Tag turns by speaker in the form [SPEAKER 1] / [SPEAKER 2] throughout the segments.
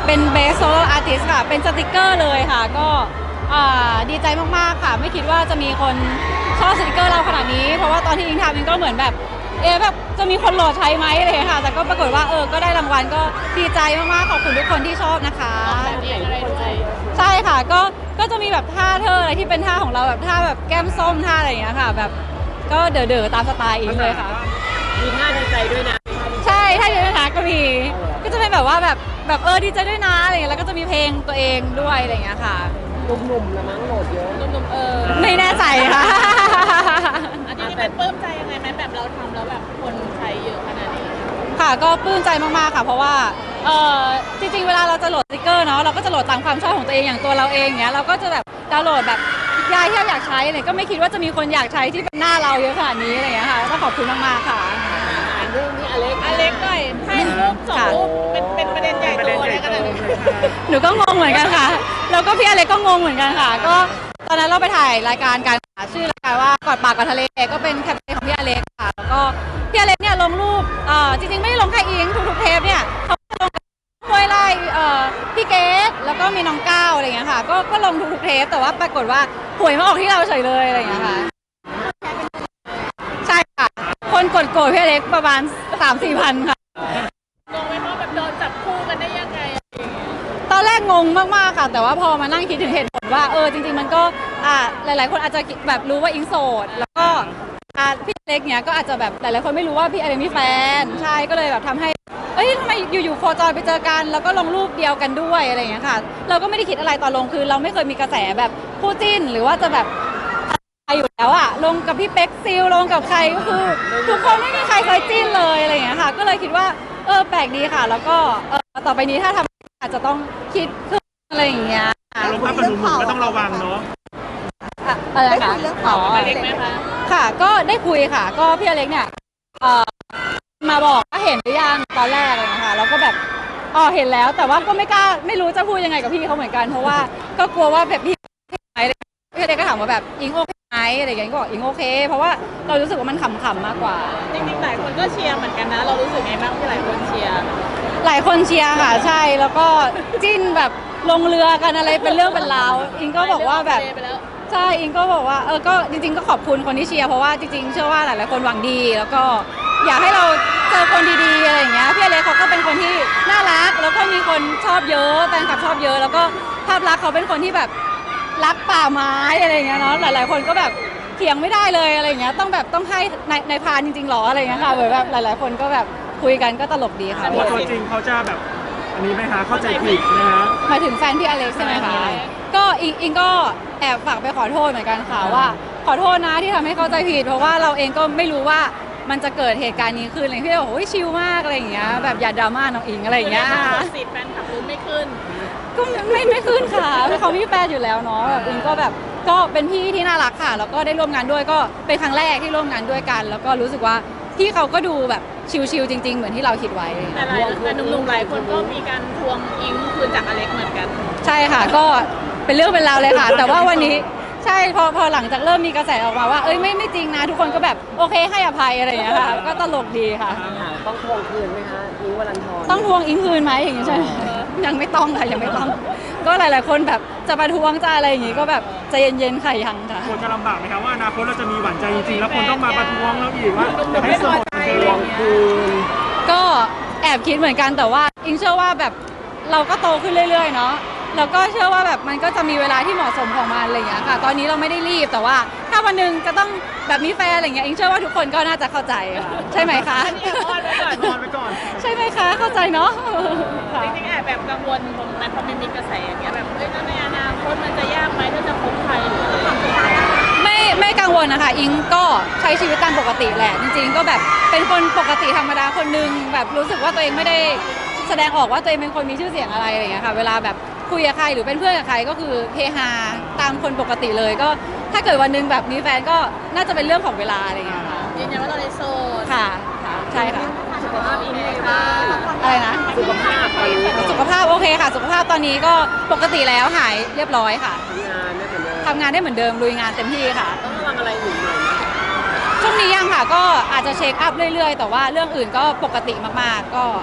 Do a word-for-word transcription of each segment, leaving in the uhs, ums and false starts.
[SPEAKER 1] เป็น Best Solo Artist ค่ะเป็นสติกเกอร์เลยค่ะก็ดีใจมากๆค่ะไม่คิดว่าจะมีคนชอบสติกเกอร์เราขนาดนี้เพราะว่าตอนที่อิงทำอิงก็เหมือนแบบเอ๊ะแบบจะมีคนโหลดใช้ไหมอะไรค่ะแต่ก็ปรากฏว่าเออก็ได้รางวัลก็ดีใจมากๆขอบคุณทุกคนที่ชอบนะคะใช่ค่ะก็ก็จะมีแบบท่าเธออะไรที่เป็นท่าของเราแบบท่าแบบแก้มส้มท่าอะไรอย่างเงี้ยค่ะแบบก็เด๋อๆตามสไตล์อิงเลยค่ะ
[SPEAKER 2] มีท่าดีใจด้วยนะ
[SPEAKER 1] ใช่ท่าเยอะนะคะก็มีก็จะเป็นแบบว่าแบบแบบเออดีใจด้วยนะอะไรเงี้ยแล้วก็จะมีเพลงตัวเองด้วยอะไรเงี้ยค่ะ
[SPEAKER 2] หนุ่มๆละมั้งโหลดเยอะ
[SPEAKER 3] หนุ่มๆเออ
[SPEAKER 1] ไม่แน่ใจค่ะ
[SPEAKER 3] อันนี้เป็นปลื้มใจยังไงไหมแบบเราทำแล้วแบบคนใช้เยอะขนาดนี้
[SPEAKER 1] ค่ะก็ปลื้มใจมากๆค่ะเพราะว่าเออจริงๆเวลาเราจะโหลดสติกเกอร์เนาะเราก็จะโหลดตามความชอบของตัวเองอย่างตัวเราเองเนี้ยเราก็จะแบบดาวน์โหลดแบบยายที่เราอยากใช้เนี่ยก็ไม่คิดว่าจะมีคนอยากใช้ที่เป็นหน้าเราเยอะขนาดนี้อะไรเงี้ยค่ะก็ขอบคุณมากๆค่ะ
[SPEAKER 2] เรื่องนี้อเล็ก
[SPEAKER 3] อเล็กหน่อยให้รูปสองรูปเป็นเป็นประเด็นใหญ่โตอะไรกันเลย
[SPEAKER 1] หนูก็งงเหมือนกันค่ะแล้วก็พี่อเล็กก็งงเหมือนกันค่ะก็ตอนนั้นเราไปถ่ายรายการการชื่อรายการว่ากอดปากกอดทะเลก็เป็นแคมเปญของพี่อเล็กค่ะแล้วก็พี่อเล็กเนี่ยลงรูปเอ่อจริงๆไม่ได้ลงแค่อิงทุกๆเทปเนี่ยเขาลงมวยไล่เอ่อพี่เกดแล้วก็มีน้องก้าวอะไรอย่างเงี้ยค่ะก็ก็ลงทุกๆเทปแต่ว่าปรากฏว่าหวยมาออกที่เราเฉยเลยอะไรอย่างเงี้ยค่ะใช่ค่ะคนกดโกรธพี่อเล็กประมาณ สามสี่ พันค่ะ
[SPEAKER 3] งงไหมว่าแบบโดนจับคู่กันได้ยังไง
[SPEAKER 1] ตอนแรกงงมากๆค่ะแต่ว่าพอมานั่งคิดถึงเหตุผลว่าเออจริงๆมันก็อ่าหลายๆคนอาจจะแบบรู้ว่าอิงโสดแล้วก็อ่าพี่อเล็กเนี้ยก็อาจจะแบบหลายๆคนไม่รู้ว่าพี่อเล็กมีแฟนใช่ก็เลยแบบทำให้เอ้ยทำไมอยู่ๆโคจรไปเจอกันแล้วก็ลงรูปเดียวกันด้วยอะไรอย่างเงี้ยค่ะเราก็ไม่ได้คิดอะไรตอนลงคือเราไม่เคยมีกระแสแบบคู่จิ้นหรือว่าจะแบบอยู่แล้วอะลงกับพี่เป็กซิลลงกับใครก็คือทุกคนไม่มีใครเคยจิ้นเลยอะไรอย่างเงี้ยค่ะก็เลยคิดว่าเออแปลกดีค่ะแล้วก็เออต่อไปนี้ถ้าทำอาจจะต้องคิดขึ้นอะไรอย่างเงี้ย
[SPEAKER 4] ลงภาพกับหนุ่มๆก็ต้องระวังเนาะ
[SPEAKER 1] อะไรคะ
[SPEAKER 3] เรื่องเผาอเล็กไหมคะ
[SPEAKER 1] ค่ะก็ได้คุยค่ะก็พี่อเล็กเนี่ยเอ่อมาบอกว่าเห็นหรือยังตอนแรกอะไรอย่างเงี้ยค่ะแล้วก็แบบอ๋อเห็นแล้วแต่ว่าก็ไม่กล้าไม่รู้จะพูดยังไงกับพี่เขาเหมือนกันเพราะว่าก็กลัวว่าแบบพี่พี่อเล็กก็ถามว่าแบบอิงโอเคไหมอะไรอย่างเงี้ยก็บอกอิงโอเคเพราะว่าเรารู้สึกว่ามันขำๆมากกว่า
[SPEAKER 3] จริงๆหลายคนก็เชียร์เหมือนกันนะเรารู้สึกไงบ้างที่หลายคนเชียร์
[SPEAKER 1] หลายคนเชียร์ค่ะใช่แล้วก็จิ้นแบบลงเรือกันอะไรเป็นเรื่องเป็นราวอิงก็บอกว่าแบบใช่อิงก็บอกว่าเออก็จริงๆก็ขอบคุณคนที่เชียร์เพราะว่าจริงๆเชื่อว่าหลายๆคนหวังดีแล้วก็อยากให้เราเจอคนดีๆอะไรอย่างเงี้ยพี่อเล็กเขาก็เป็นคนที่น่ารักแล้วก็มีคนชอบเยอะแฟนคลับชอบเยอะแล้วก็ภาพลักษณ์เขาเป็นคนที่แบบรักป่าไม้อะไรอย่างเงี้ยเนาะหลายๆคนก็แบบเถียงไม่ได้เลยอะไรอย่างเงี้ยต้องแบบต้องให้ในในพานจริงๆหรออะไรอย่างเงี้ยค่ะเหมือนแบบหลายๆคนก็แบบคุยกันก็ตลกดีค่ะ
[SPEAKER 4] ตัวจริงเขาจะแบบอันนี้ไหมคะเข้าใจผิดนะฮะ
[SPEAKER 1] หมายถึงแฟนพี่อเล็กใช่ไหมคะก็อิงอิงก็แอบฝากไปขอโทษเหมือนกันค่ะว่าขอโทษนะที่ทำให้เข้าใจผิดเพราะว่าเราเองก็ไม่รู้ว่ามันจะเกิดเหตุการณ์นี้ขึ้นอะไรพี่บอกโอ้ยชิลมากอะไรอย่างเงี้ยแบบอย่าดราม่าน้องอิงอะไรอย่างเงี้ย
[SPEAKER 3] สิทธิ์แฟนคลับรู้ไม่ขึ้น
[SPEAKER 1] ก็ไม่ไม่ขึ้นค่ะเขามีแฟนอยู่แล้วเนาะแบบอิงก็แบบก็เป็นพี่ที่น่ารักค่ะแล้วก็ได้ร่วมงานด้วยก็เป็นครั้งแรกที่ร่วมงานด้วยกันแล้วก็รู้สึกว่าพี่เขาก็ดูแบบชิลๆจริงๆเหมือนที่เราคิดไว้
[SPEAKER 3] แต่หลายแต่หนุ่มๆหลายคนก็มีการทวงอิงคืนจากอเล็กเหมือนกัน
[SPEAKER 1] ใช่ค่ะก็เป็นเรื่องเป็นราวเลยค่ะแต่ว่าวันนี้ใช่พอพอหลังจากเริ่มมีกระแสออกมาว่าเอ้ยไม่ไม่จริงนะทุกคนก็แบบโอเคให้อภัยอะไรอย่างเงี้ยค่ะก็ตลกดีค่ะ
[SPEAKER 2] ต้องทวงคืนไหมคะอิงวรันทร
[SPEAKER 1] ต้องทวงอิงคืนไหมอย่างงี้ใช่ยังไม่ต้องค่ะยังไม่ต้องก็หลายๆคนแบบจะประท้วงจะอะไรอย่างงี้ก็แบบใจเย็นๆค่ะยังค่ะ
[SPEAKER 4] ควรจะลำบากไหมคะว่าอนาคตเราจะมีหวานใจจริงๆแล้วคนต้องมาประท้วงเราอีกว่าจะให้โสดทวงคืน
[SPEAKER 1] ก็แอบคิดเหมือนกันแต่ว่าอิงเชื่อว่าแบบเราก็โตขึ้นเรื่อยๆเนาะแล้วก็เชื่อว่าแบบมันก็จะมีเวลาที่เหมาะสมของมันอะไรอย่างเงี้ยค่ะตอนนี้เราไม่ได้รีบแต่ว่าถ้าวันหนึ่งจะต้องแบบมีแฟนอะไรอย่างเงี้ยอิงเชื่อว่าทุกคนก็น่าจะเข้าใจค่ะใช่ไหมคะ
[SPEAKER 3] นอนไปก่อน
[SPEAKER 4] นอนไปก่อน
[SPEAKER 1] ใช่ไหมคะเข้าใจเนาะ
[SPEAKER 3] จริงๆแอบแบบกังวลตรงนั้นเพราะมันมีกระแสอย่างเงี้ยแบบเฮ้ยในอนาคตมันจะยากไหมถ้าจะคบใครหรือ
[SPEAKER 1] ไม่ไม่กังวลนะคะอิงก็ใช้ชีวิตตามปกติแหละจริงๆก็แบบเป็นคนปกติธรรมดาคนนึงแบบรู้สึกว่าตัวเองไม่ได้แสดงออกว่าตัวเองเป็นคนมีชื่อเสียงอะไรอะไรอย่างเงี้ยค่ะเวลาแบบคุยกับใครหรือเป็นเพื่อนกับใครก็คือเฮฮาตามคนปกติเลยก็ถ้าเกิดวันนึงแบบมีแฟนก็น่าจะเป็นเรื่องของเวลาอะไรอย่างเงี้ยค่ะ
[SPEAKER 3] ยืนยันว่าเราในโซน
[SPEAKER 1] ค่ะใช่ค่ะ
[SPEAKER 3] สุขภาพอิงเลยค่ะ
[SPEAKER 1] อะไรนะ
[SPEAKER 2] สุขภาพตอนนี้
[SPEAKER 1] สุขภาพโอเคค่ะสุขภาพตอนนี้ก็ปกติแล้วหายเรียบร้อยค่ะ
[SPEAKER 2] ทำงานได้เหมือนเดิม
[SPEAKER 1] ทำงานได้เหมือนเดิมลุยงานเต็มที่ค่ะ
[SPEAKER 2] ต้องระวังอะไรอยู่หน่อยไหม
[SPEAKER 1] ช่วงนี้ยังค่ะก็อาจจะเช็คอัพเรื่อยๆแต่ว่าเรื่องอื่นก็ปกติมากๆก็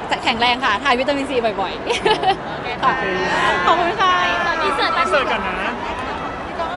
[SPEAKER 1] แข็งแรงค่ะทานวิตามินซีบ่อยๆค่ะขอบคุณค่ะ
[SPEAKER 3] ตอนนี้เสิร์ฟ
[SPEAKER 4] เสิร์ฟกันนะ